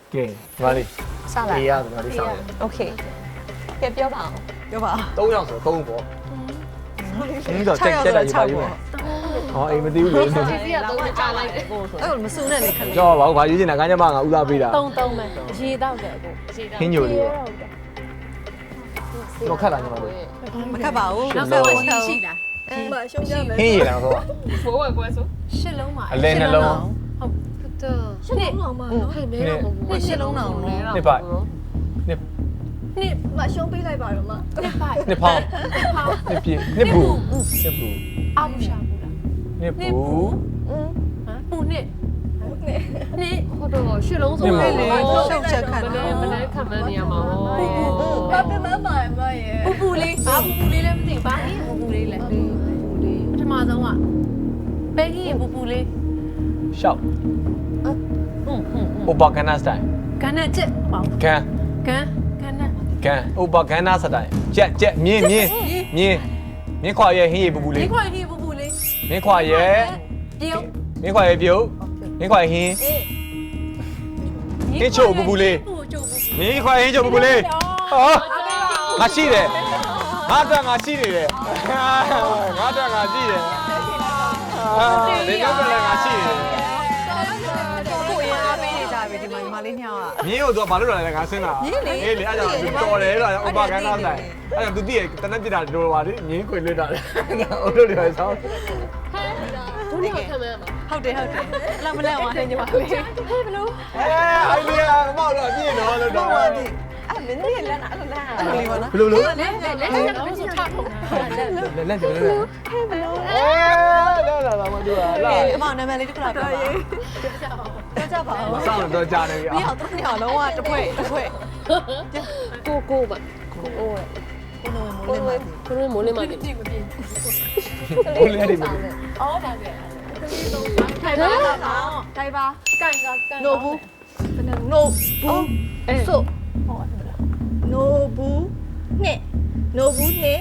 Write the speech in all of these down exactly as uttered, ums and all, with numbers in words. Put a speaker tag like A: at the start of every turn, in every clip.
A: ကဲဒီမှာလေး
B: စလာ
A: အေးရဒီမှာလေးစောင်းရ
B: โอเคကဲပြောပါအောင်
C: ပြောပါ
A: သုံးယောက်ဆိုတော့သုံးပေါ့အင်းတော့ချက်ချက်တာယူပါယူမယ်ဟောအိမ်မသိဘူးလေ
B: စီစီကတော့ကြာလိုက်တယ်ကိုဆို
C: အဲ့လိုမစုနဲ့လေခလေး
A: ကြောက်ပါဘူးဘာယူချင်တာကညမငါဦးစားပေးတာ
B: တုံတုံပဲရေတော့တယ်ကိုရေတော့
A: ခင်းညိုလေးပေါ့တော့ခက်လာညမလေး
C: မခတ်ပါဘူး
B: နောက်ဆုံးရှိရှိလား
C: အဲ့မှာရှုံးကြမယ်
A: ခင်းရည်လာတော့
B: ဖိုးဝဲကွဲဆိုရှစ်လုံးပါ
A: အလဲနှလုံး
B: ဟုတ်တော့ရှစ်လုံးအောင်ပါနော်ဟဲ့မဲတော့မဟုတ်ဘူးရှစ်လုံးအောင်လဲတော့
A: နှစ်ပိုက်နှစ်
B: နှစ်
C: မရှုံးပေးလိုက်ပါတော့မ
B: နှစ်ပိုက်
A: နှစ်ဖောင်းနှစ်ပြည့်နှစ်ဘူးနှစ်ဘူး
B: အောက်ရှာဘူးလား
A: နှစ်ဘူး
B: ဟမ်ပူနှစ်နှစ်ဟုတ်တော့ရှစ်လုံးဆိုမလဲမလဲခံမနေရမှာဟော
C: ဘာပြမပါမရဲ့
B: ပူပူလေးဘာပူပူလေးလည်းမသိဘာဟင်းပူပူလေးလဲပူပူလေးပထမဆုံးကပဲကြီးပူပူလေး
A: ရှောက်
B: ဟုတ်ဟုတ်
A: အိုပါကနာစတိုင်
B: ကန်နဲ့ချက်ပေါ့
A: ကန်
B: ကန်ကန်နဲ့
A: ကန်အိုပါကနာစတိုင်ကြက်ကြက်မြင်းမြင်းမြင်းမြင်းခွာရဲ့ဟင်းရည်ပူပူ
B: ဒီ
A: လေး
B: ခွာကြီးပူပူလေး
A: မြင်းခွာရဲ့
B: ပြုတ်
A: မြင်းခွာရဲ့ပြုတ်မြင်းခွာရဲ့ဟင်းဟင်းချိုပူပူလေး
B: ပူချိုပူ
A: မြင်းခွာဟင်းချိုပူပူလေးဟောငါရှိတယ်ငါတော့ငါရှိနေတယ်ငါတော့ငါရှိတယ်အာဒီတော့လည်းငါရှိတယ်
C: ကိုရင်အားပေးနေကြပြီဒီမှာညီမလေးညောင်းอ่ะ
A: မြင်းကိုတော့ဘာလို့လဲငါဆင်းတာအေးလေအဲ့ကြောင့်တော်တယ်လို့ဥပကန်းသားဆိုင်အဲ့ကြောင့်သူတည့်တနက်ပြတာလိုပါလေမြင်းခွေလွတ်တာလေအိုးတို့တွေဆောင်း
B: ဒုတိယခံမရမှာ
C: ဟုတ်တယ်ဟုတ်တယ်အလောက်မလဲအောင်ဟဲ့ညီမလေး
B: ဟဲ့ဘလို့
A: အဲအိုင်လီယာမောက်တော့ပြည့်တော့လို့တော့
C: ဟုတ်ပါပြီ
B: အဲ့မင်းတို့လက်နာအဲ့လိုလား
C: အဲ့လိုလေးပါနော်
A: ဘယ်လိုလဲ
B: လက်လက်လက်လက်ကတော့ဆိုထထုံတာလက်
A: လက်လက်ကြလက်အဲလာလာလာမတူလားလာ
C: အမနာမည်လေးတစ်ခါပြောပါပြောကြပါဦး
A: ဆောင်းတော့ကြားနေပြီ
C: ပြီးအောင်တော့ညောင်းလုံးဝတစ်ဖွဲ့တစ်ဖွဲ့
B: ကိုကိုပါကိုကို
C: ကိုလိုမိုးလေးမိုးလေး
B: ကိုမိုးလေးမပြည့်မပြည့်
A: ဘိုးလေးတွေမလို့
B: အော်ဒါကထိုင်ပါထိုင်ပါကန်ကကန်
C: နိုဘူးနိုဘူးဆိုနိုဘူးနဲ့နိုဘူးနဲ့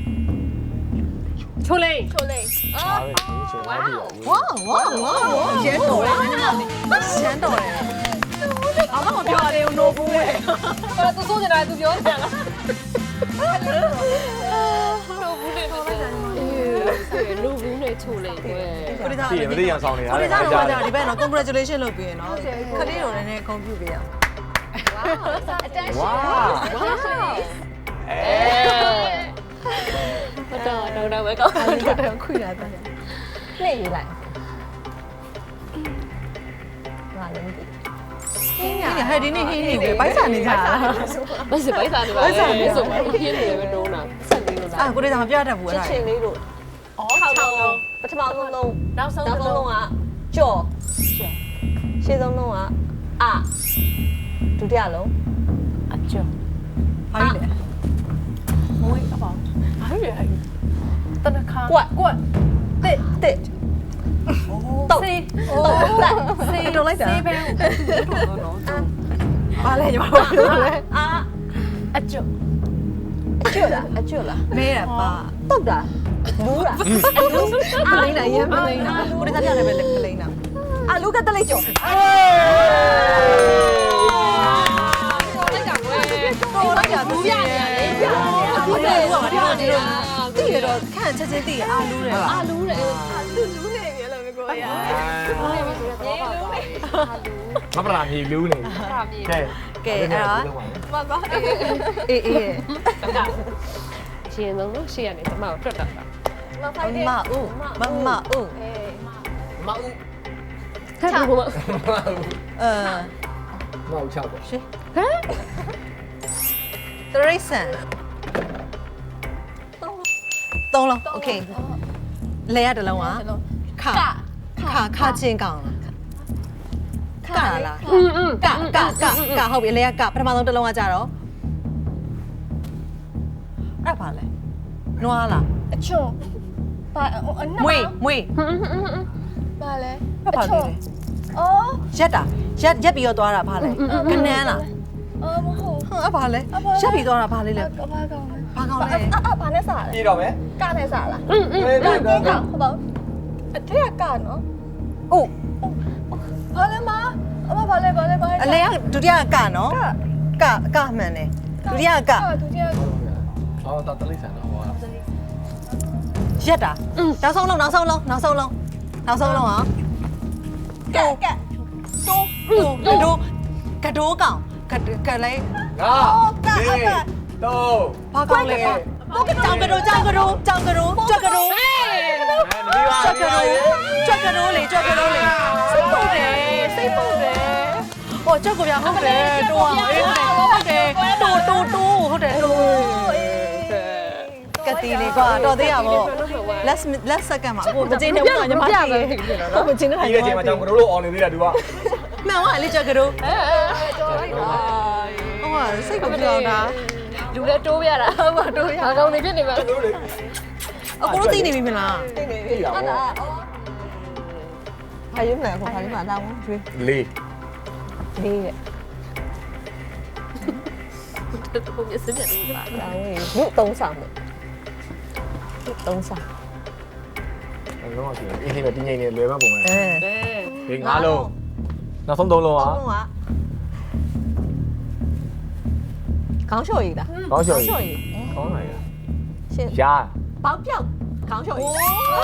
B: ချိုလေး
C: ချိုလေး
A: အားပဲဒီချိုအားပြီ
C: ဝါဝါဝါရန်တော်တယ်ရန်တော်တယ်အမမပြောရသေးဘူးနိုဘူးရဲ့
B: ဘာသူစိုးနေတာသူပြောနေတာလားလူဘူးနဲ့ချိုလေးကွယ်
C: ကိုရီးယား
A: ရှိရမသိရဆောင်နေတာ
C: ကိုရီးယားတော့ကြာဒီဘက်နော် congratulation လုပ်ပြီးရနော်ခလေးတော်လည်းနည်းဂုဏ်ပြုပေးရအောင်
A: ဝါ
B: အဲတော့တော့တော့ပဲကောင်း
C: အဲ့ဒါတော့ခွေလာတယ်
B: လှည့်ရေးလိုက်ဟာလည်းမသိ
C: ဟင်းရဟဲ့ဒီနေ့ဟင်းနေပဲပိုက်ဆံနေကြတာ
B: ဘယ်စပိုက်စားနေပါလဲဆိုတော့ခင်းနေပဲတော့နာဆက်နေလို့လား
C: အာကိုရီးယားမပြတတ်ဘူးအဲ့ဒါ
B: ချင်းလေးတို့အော်၆လုံးပထမဆုံးလုံးနောက်ဆုံး
D: နောက်ဆုံး
B: လုံး
D: လုံးကကြော်ရှေ့ဆုံးလုံးကအဒုတိယလုံး
B: အကျော်
C: ဘာလဲ
B: မွေးအပေါင်းဘာလဲတနခါ
D: ကွက်
B: ကွက်
D: တစ်တစ်တုတ်
B: စေး
D: တုတ်တက်
B: စေးလုံးလိုက်တာစေးပဲတော့တော့
C: ဘာလဲညီမတို့ပြောလဲ
D: အာ
B: အကျော်
D: အကျွတ်လားအကျွတ်လား
C: မဲရပါ
D: တုတ်တာလူးတာ
C: ပလိန်နာရေးပလိန်နာကိုရီးယားပြန်လည်းပဲပလိန်နာ
D: အာလူကတက်လိုက်ကြော်
B: လိုက်တာကွယ်
C: တော်လိုက်တာဘူးရနေလေဘူးတယ်ဘူးပါဒီလိုဒီလိုတိရတော့ခန့်ချက်ချင်းတိရအာလူးတယ်
B: အာလူးတယ်
C: လူလူးနေပြီလို့ပြောရ
A: မပရာမြေလူးနေကဲ
C: ကဲအဲ့ဒါမမအေးအေး
B: ရှင်ဆုံးလို့ရှေ့ကနေတမောက်တွတ်တာ
D: မဖိုက်တယ်
C: မဦးမမဦး
A: မအူ
B: ခက်ဘူးမ
C: အဲ
A: မောက်ချောက်ပေါ့
C: ရှေဟမ်တရိစံသုံးလုံးโอเคလဲရတလုံးကခခခချင်းကောင်ခလား
B: อืมอืม
C: ကကကကဟုတ်ပြီလဲကပထမဆုံးတစ်လုံးကကြတော့အဲ့ပါလဲနွားလား
D: အချွန်ဘာအန
C: မွေမွေ
D: ဘာလဲ
C: အဲ့ပါလဲ
D: အော်
C: ရက်တာရက်ရက်ပြီးတော့သွားတာဘာလဲကနန်းလား
D: အော်မဟုတ်
C: ဟမ်အဲ့ပါလဲရက်ပြီးသွားတာဘာလဲလဲ
D: ကဘာကောင်လဲ
C: ဘာကောင်လဲ
D: အာအာဘာနဲ့စားလဲ
A: ပြီးတော့မယ်
D: ကနဲ့စားလား
B: อืมอืม
A: အေး
D: က
A: တော့
D: ကကဟုတ်ပါအထက်ကကနော်
C: အိုး
D: ဘာလဲမအမဘာလဲဘာလဲဘာလဲ
C: အလဲကဒုတိယကနော်ကကမှန်တယ်ဒုတိယက
D: ဒုတိယ
A: အော်တာတလိဆန်တော့ဟော
C: ရက်တာနောက်ဆုံးလုံးနောက်ဆုံးလုံးနောက်ဆုံးလုံးနောက်ဆုံးလုံးဟာ
D: ကက်က
C: တိုးတိုးတိုးကတိုးကောင်ကကလေး
A: ငါဒီတော့
C: ဘာကောင်လဲကြောင်ကတိုးကြောင်ကတိုးကြောင်ကတိုးကြွက်ကတိုး
A: ဒီပါ
C: ကြွက်ကတိုးကြွက်ကတိုးလေကြွက်ကတိုးလေစိတ်ပုတ်တယ်စိတ်ပုတ်တယ်ဟောကြွက်ကပြဟုတ်တယ်တိုးအောင်အေးဟုတ်တယ်တိုးတိုးတိုးဟုတ်တယ်တိုးကတိလေးကွာတော်သေးရပါဘော let's let's second မှာကိုမကျင်းနေဘူးညီမကြီးကိုမကျင်းနေတာ
A: ဒီရဲ့ချိန်မှာကြောင်ကတို့လို့အော်နေသေးတာဒီက
C: မှန်ပါလေကြွက်ကတိုး
D: အဲတော်လိုက်တာ
C: ဟောစိတ်ကိုပြောင်းတာ
D: လူလည်းတိုးပြတာဟုတ်ပါတိုးရဘာကောင်နေဖြစ်နေမှာ
A: တို့လေ
C: အကိုတို့သိနေပြီမလား
D: သိနေပြီဟုတ်လားဘာရွေးမလဲခေါ်ခါလေးမှာတောင်းရွေး
A: လေး
D: လေးရဲ့
B: တို့မျက်စိမျက်လေးပါ
D: တောင်းဝင်လူသုံးဆောင်မယ်လူသုံးဆောင်
A: လုံးဝရှိတယ်အင်းလေးပဲတင်းငိမ့်နေလွယ်မှပုံမှန်
D: အဲ
A: ဒီငါးလုံးနောက်ဆုံးသုံးလုံးဟာ
C: ဘုံက
D: ခေါင်းလျှော်ရည်လား
A: ကောင်းချော်
D: လျှော်ရ
A: ကြီး
D: ည်
A: ကောင်းလိုက်ရ
D: ရှင်း
A: ရှာ
D: ပေါက်ပြောက်ခေါင်းလျှော်ရည်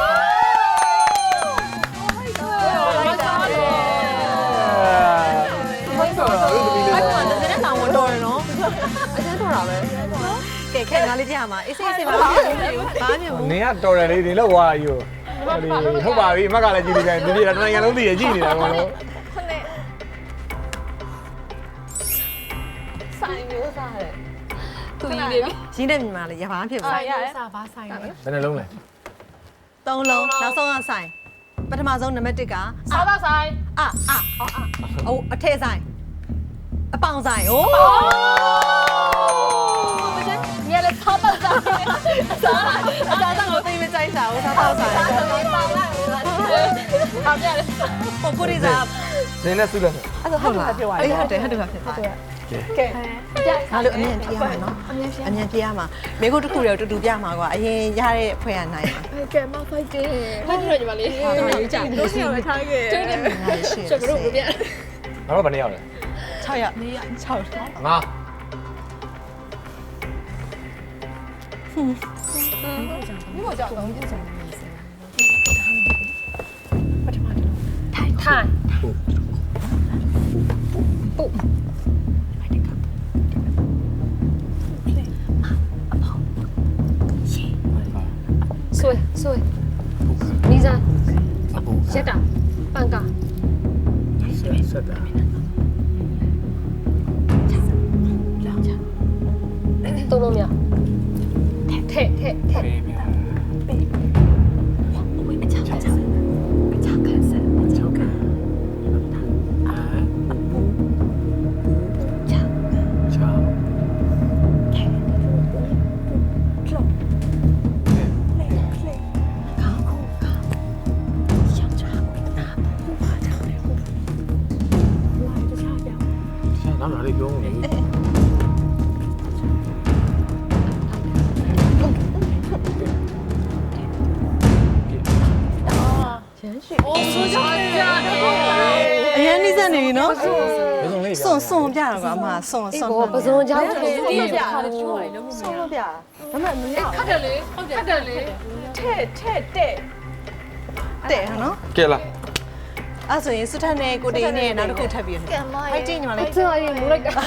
A: မိုက်တော့လို့ဒီလို
C: အဲ့ကောင်ကလည်းတောင်ဝင်တော်တယ်နော်
D: အကျဉ်းထော်တာပဲ
C: ကဲခဲငါလေးကြရမှာအေးစေးစေးပါဘာမှမဖြစ်ဘူးဘာမှမဖြစ်ဘူး
A: နင်ကတော်တယ်လေဒီလောက်သွားယူဟုတ်ပါပြီအမကလည်းကြည့်နေတယ်ဒီနေ့တနိုင်ငံလုံးသိရကြည့်နေတာကောလို့
D: ခုနှစ်ဆိုင်မျိုးစားတယ်
B: သူကြီးနေပြီ
C: ရင်းနေမြင်ပါလေရပါမဖြစ်ဘူး
D: ဆိုင်ရတယ်
B: စားပါဆိုင်နေ
A: ဘယ်နှလုံးလဲ
C: သုံးလုံးနောက်ဆုံးကဆိုင်ပထမဆုံးနံပါတ်1က
B: စားပါဆိုင်
C: အအအိုးအထက်ဆိုင်အပေါင်ဆိုင်ဟိုး
D: ညလည်းသောက်တော့စားစား
C: အစားတော့ကိုသိမကြိုက်တာဟိုးစားတော့ဆိုင်
D: ပေါင်းလိုက်ပါလားအောင်ရတယ်
C: ဟိုကိုရီစား
A: နင်နဲ့စုလက်
D: အဲ့ဒါဟုတ်လားပြောရ
C: အေးဟုတ်တယ်ဟုတ်တယ်ဖြစ်သွားတယ်
D: ကဲ
C: ငါတို့အမြင်ပြရမှာနော်အမြင်ပြအမြင်ပြရမှာမိကုတ်တစ်ခုတည်းတူတူပြမှာကွာအရင်ရတဲ့ဖွဲ့ရနိုင်မှာ
D: ကဲမဖိုက်တယ်
B: ဖိုက်ကြည့်ရညီမလေးတို့ရေးကြ
D: တို့စီရထားခဲ့
B: ကျင်းနေပြီ
C: ငါရှိ
B: ချက်ကတော့ပြ
A: ငါတို့ဘယ်နှယောက်လဲ
C: 6ရက်6ရက်
A: ငါ
B: ထိုင် ဆွေဆွေနီးစားရက်တာပန်ကာ
A: ဆက်တာ
B: သုံးလုံးမြောက်ထဲထဲထဲ
A: ပေးပြန်နောက်လာလေးပြောဦးလေ
B: အိုးဆိုကြကြ
C: အရင်နှိစက်နေပြီနော်
A: ဘယ်ဆုံးလေး
C: စွန်စွန်ပြတော့ကအမစွန်စွန်
B: ဘောပစုံချောင်းတည်း
D: ဒီ
B: ဒီ
D: ပြ
B: ပြ
D: ချိုးရတယ်လို့ဆုံးလို့ပြဒါပေမဲ့မရ
B: ခတ်တယ်လေခတ်တယ်လေ
D: ထဲထဲတဲ့
C: တဲ့ဟာနော်
A: ကဲလား
C: အဲ့ဆိုရင်စွတ်ထက်နဲ့ကိုတေးနဲ့နောက်တစ်ခုထပ်ပြီး
D: ကံမရ
C: ဖိုက်တင်ညီမလေး
B: အဲ့ဒါရင်မူလိုက်တာ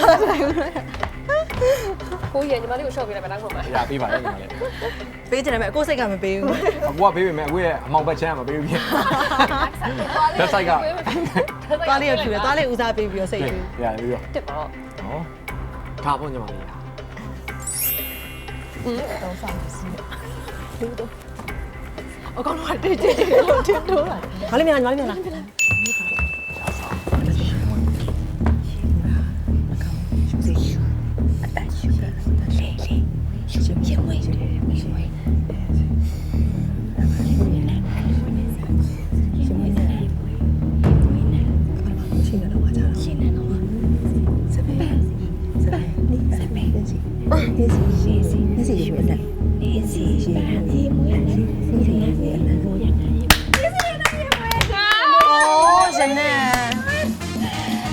B: ကိုရညီမလေးကိုရှော့ပေးလိုက်မယ်နောက်ဆုံးမှာ
A: ရပေးပါလေညီမလေး
C: ပေးချင်တယ်မဲ့အကိုစိတ်ကမပေးဘူး
A: အကူကပေးပေမဲ့အကူရဲ့အမောင်ဘက်ချမ်းကမပေးဘူးပြင်လက်ဆိုင်က
C: သွားလေးရထူတယ်သွားလေးဦးစားပေးပြီးတော့စိတ်ထူ
A: ရပြီးတော့
B: တစ်ပေါ့
A: ဟောထားဖို့ညီမလေး
C: အကောင်တော့တိတ်တိတ်လို့တင်တော့မလေးမြန်လာမလေးမြန်လာ 哦，真的。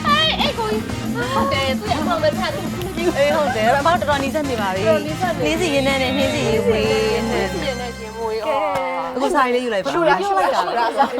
C: အေးဟုတ်တယ်အမတော်တော်နီးစက်နေပါပြီနှင်းစီရင်းနဲ့နှင်းစီရေးဝေးနဲ့
B: ပြည့်နေခြင်းမွေးဩ
C: အခုဆိုင်လေးယူလိုက်ပါ
B: ရှူလားရှူလိုက်တာလားအဲ့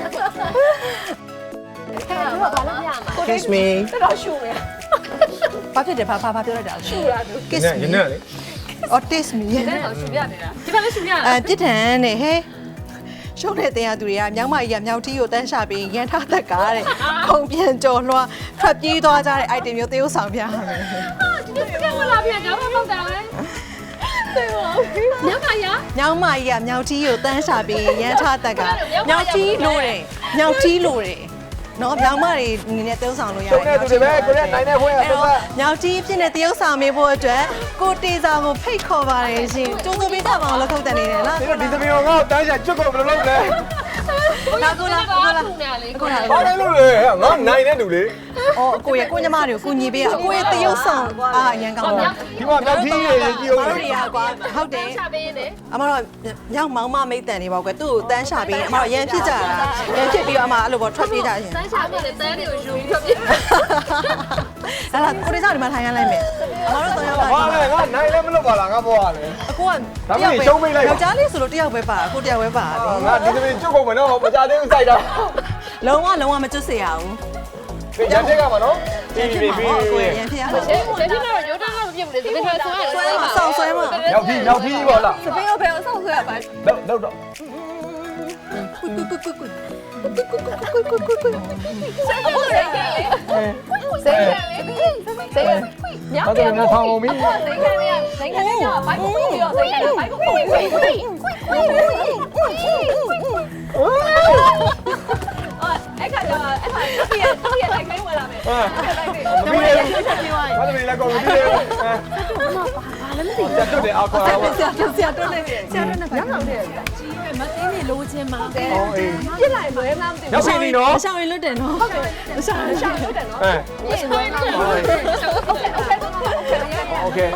B: ဒါဘာလို့ပြရမှာ
C: kiss me
B: တော်ရှူမယ်
C: ဘာဖြစ်တယ်ဘာဘာပြောလိုက်တာ
B: ရှူလားသူ
C: kiss
A: ရ
C: me
A: င်းနဲ့လေ
C: or taste me
B: အဲ့ဒါရှူပြနေတာဒီမှာလည်းရှူပြရ
C: အဲပြစ်ထန်နဲ့ဟဲရှုံးတဲ့တရားသူတွေကမြောက်မကြီးကမြောက်ထီးကိုတန်းရှာပြီးရန်ထသက်ကားတဲ့ခုံပြန်ကြော်လွှားထွက်ပြေးသွားကြတဲ့ item မျိုးသေုပ်ဆောင်ပြရမယ်
B: ဒီလိုပြန်လာပြန်ကြတော့ပေါ့တာလေတဲ့ပါညမရ
C: မြောက်မကြီးကမြောက်ထီးကိုတန်းရှာပြီးရန်ထသက်ကားမြောက်ထီးလို့တယ်မြောက်ထီးလို့တယ်နော်မြောက်မတွေအနေနဲ့သေုပ်ဆောင်လို့ရတယ်
A: ကျုံနေသူတွေပဲကိုရက်နိုင်တဲ့ဖွဲရတော့
C: မြောက်ကြီးဖြစ်နေသေုပ်ဆောင်မေးဖို့အတွက်ကိုတေစာကိုဖိတ်ခေါ်ပါတယ်ရှင်ကျုံသူပေးကြပါအောင်လို့ခုတ်တယ်နေတယ်နော်
A: ဒီတော့ဒီသမီးကိုငါ့ကိုတန်းချကျွတ်ကိုဘယ်လိုလုပ်လဲ
C: လာကိုလာကိုလာ
B: ခုနေလေ
C: ကိုလာ
A: ဘာလဲလို့လဲငါနိုင်တဲ့လူလေ
C: အော်အကိုရဲ့ကိုညီမတွေကိုကိုညီပေးရအကိုရဲ့သေုပ်ဆောင်အာရန်ကောင်းပါ
A: ဒီမှာမြောက်ကြီးရေကြီးအောင်
C: တို့တွေကကွာဟုတ်တယ်
B: ချပေးနေ
C: အမတော့မြောက်မောင်မမိတ်တန်နေပါကွယ်သူ့ကိုတန်းရှာပြီးအမတော့ရန်ဖြစ်ကြတာရန်ဖြစ်ပြီးတော့အမအဲ့လိုပေါ့ထွက်ပြေးကြရှင်
B: စမ်းချပေးနေတန်းတွေကိုယူပြီးတော့ပြ
C: အဲ့ဒါကိုရီးယားဒီမှာထိုင်ရလိုက်မယ်အမတို့တော့ရောက်လာ
A: ဘာလဲငါနိုင်လည်းမလုပ်ပါလားငါဘောရလေ
C: အကိုကယောက်ျားလေးဆိုလို့တယောက်ပဲပါကိုတယောက်ပဲပါပြီ
A: ငါဒီသမီးကျွတ်ကုန်မယ်နော်မကြသေးဘူးစိုက်တာ
C: လုံးဝလုံးဝမကျွတ်စေရဘူး
A: ရန်တက်ကမှာနော်ပြီးပြီးပြီး
C: ကိုရန်ဖြစ်ရမှာ
B: ရှယ်ရှယ်ပြတော့ရိုးတာတော့ပြည့်မလို့ဒီလိုဆွဲဆွဲ
C: ဆောင်းဆွဲမှာ
A: မြောက်ကြီးမြောက်ကြီးပေါ့လား
B: စပင်းကိုဘယ်အောင်ဆောက်ဆွဲရပါ
A: တော့တော့တော့
B: အခုစိတ်ကလေးစိတ်ကလေးစိတ်ညောင်
A: ဘာလို့ငါဆောင်းအောင်မီး
B: စိတ်ကလေးစိတ်ကလေးကဘိုက်ကိုပြီးတော့စိတ်ကလေးဘိုက်ကိုပြီးပြီးအဲ့ခါကျတော့အဲ့ခါဒီရဒီရလိုက်ခိုင်းဝင်လာမယ်
A: ဟာ
B: လိုက်တယ်
A: မပြီးလေဘာလို့လဲကောမပြီးလေဘာလည်းမသိဘူးတက်တယ်အောက်ခေါ်အောင်
C: ဆရာဆရာတော့နေဆရာတော့နေပါ
B: ညောင်တယ်မသိနေလို့ချင်းမှာတဲ့
A: အော်အေး
B: ပြစ်လိုက်လွဲမှမသိ
A: ရောက်ပြီနီနော်
C: အဆောင်ရင်လွတ်တယ်နော်ဟုတ်တယ်အဆောင်ရင်ရှောင်း
B: ဘူးတယ်နော်
A: အဲ
B: ပြစ်လွဲမှမသိโอเคโอเค
A: โอเค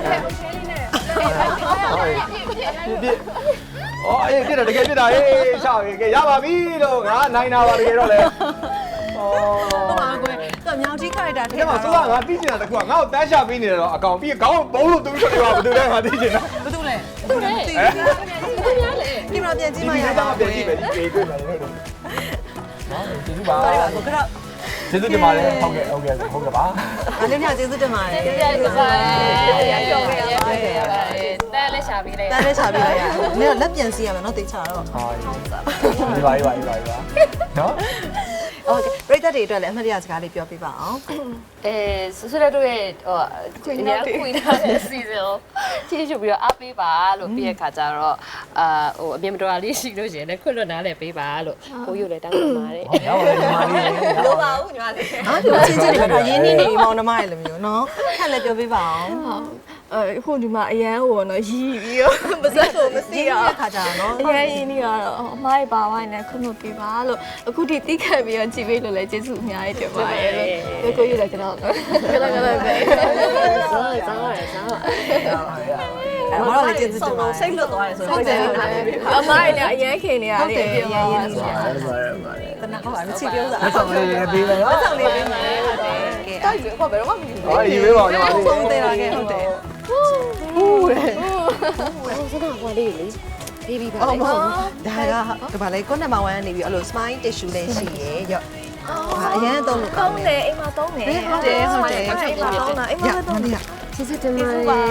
A: ပြပြအော်အေးပြတယ်တကယ်ပြတာဟေးရှောက်ရေကရပါပြီလို့ငါနိုင်တာပါတကယ်တော့လေအော်
C: ဟုတ်ပါကွယ်တော့မြောင်ကြီး character ထဲ
A: ဒီမှာဆိုကငါသိချင်တာတခုကငါ့ကိုတန်းချပေးနေတယ်တော့အကောင်ပြီးခေါင်းဘုံလို့တူးထွက်သွားဘာတူလဲငါသိချင်တာ
C: ဘာတူလဲ
B: သူလေသူများလေ
C: ဒီမှာပြန်ကြည့်မှရ
A: ဒီ
C: ပါ
A: မှာပြန်ကြည့်မယ်ဒီပေတွေ့မယ်လို့နော်ကျေးဇူးပါ
C: ပါပါကိုကတော့
A: ကျေးဇူးတင်ပါတယ်ဟုတ်ကဲ့ဟုတ်ကဲ့ဟုတ်ကဲ့ပါ
C: အလေးများကျေးဇူးတင်ပါတယ်
B: ကျေးဇူးတင်ပါတယ်ရရောရရတဲလက်ရှာပေးလိုက်
C: တန်းလေးချပေးလိုက်ရအောင်မင်းလက်ပြန်စီရမယ်နော်တေချာတော့
A: ဟာဒီပါဒီပါဒီပါဒီပါနော်
C: โอเคပြိတ္တတွေအတွက်လည်းအမှတ်ရစကားလေးပြောပြပါအောင်
B: အဲဆွဆွတို့ရဲ့ဟိုအများခွေထားတဲ့ season ကိုချစ်ချူပြီးတော့အားပေးပါလို့ပြည့်ရခါကြတော့အာဟိုအမြင်မတော်လေးရှိလို့ရှင်လည်းခွတ်လွတ်နားလည်းပေးပါလို့ကိုယူလည်းတောင်းပန်ပါတယ်
A: ဟုတ်ပါဘူးညီမလေး
B: လိုပါဘူးညီမလေး
C: အားပြောချင်းချင်းတွေကတော့ရင်းနှီးနေပြီမောင်နှမရဲ့လိုမျိုးနော်ခက်လည်းပြောပြပါအောင်
E: အဲဟိုဒီမှာအရန်ဟိုနော်ရီးပြီးတော့ပါစက်ကိုမသိ
C: ရ
E: အောင်
C: ခါကြတာနော်
E: အရန်ရင်းနေတော့အမားပါဝိုင်းနဲ့ခွင့်မပေးပါလို့အခုထိတိခတ်ပြီးတော့ကြည်ပေးလို့လည်းကျေးဇူးအများကြီးတင်ပါတယ်လို့ကိုကိုရလည်းကျွန်တော်ကလည်းကလည်းပဲ
B: ဇာတ်ဇာတ်ဇာတ်
C: အဲ့တော့လည်းကျေးဇူးတင်ပါတယ်စိတ်လွတ်သွားတယ်ဆို
E: ဟုတ်တယ်ဟုတ်တယ်အမားလည်းအရန်ခင်နေရ
C: ဟုတ်
E: လေ
C: တယ်
E: ပြော
C: ရ
E: ပါ
C: င်းရ
E: ပါ
C: င်း
E: ဆို
C: နေ
E: တော့
C: တနာဟုတ်ပါမချီပြောစား
A: လက်ဆောင်လေးရေးပေးမယ်နော်
C: ဆောင်လေးပေးမယ်ဟုတ်တယ်ကဲ
B: တိုက်ပြီးတော့ဘယ်တော့မှမယူဘူး
A: ဟာရေးပေးပါဦးညီမလေး
C: ဖုန်းသေးတာကဲဟုတ်တယ်ဟူးတယ်
B: စကားကွာလေးလေပြီးပြီးပါ
C: အော်မဟုတ်ဒါကဗာလေကိုနံပါတ်1နေပြီးအဲ့လို smile tissue လေးရှိရရော့ဟာအရင်သုံးလို့ကော
E: သုံး
C: င်းတယ်
E: တယ်အိမ်မှာသုံးတယ်
C: ဟုတ်တယ်ဟုတ်တယ်
E: အိမ်မှာသုံးတာအိမ်မှာသုံးတယ်
B: ကျေးဇူးတင်ပါတယ်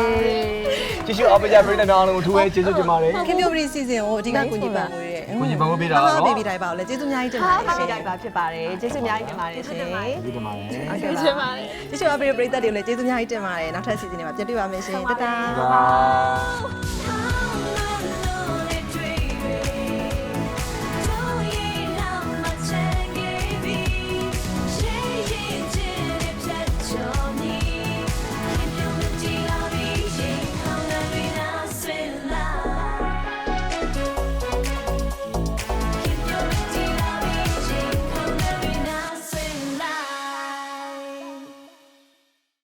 A: ကျေးဇူးအပကြပြတဲ့အားလုံးကိုထူးပဲကျေးဇူးတင်ပါတယ်
C: ခင်ဗျိုပရီစီစဉ်ကိုအဓိကကိုကြီးပါလို့ရဲ့
A: ကိုကြီးပန်ဖို့ပေးတာပါနော်
C: ဟာဘေဘီတိုင်းပါလို့လေကျေးဇူးအများကြီးတင်ပါတယ်ရှင်တိုင်းပါဖြစ်ပါတယ်ကျေးဇူးအများကြီးတင်ပါတယ်ရှင်
A: ကျေးဇူးတင်ပါတယ်
C: ဟုတ်ကဲ့ပါကျေးဇူးပါတယ်ကျေးဇူးအပရီပရိသတ်တွေကိုလည်းကျေးဇူးအများကြီးတင်ပါတယ်နောက်ထပ်စီစဉ်တွေမှာပြန်တွေ့ပါမယ်ရှင်တတား
A: Bye.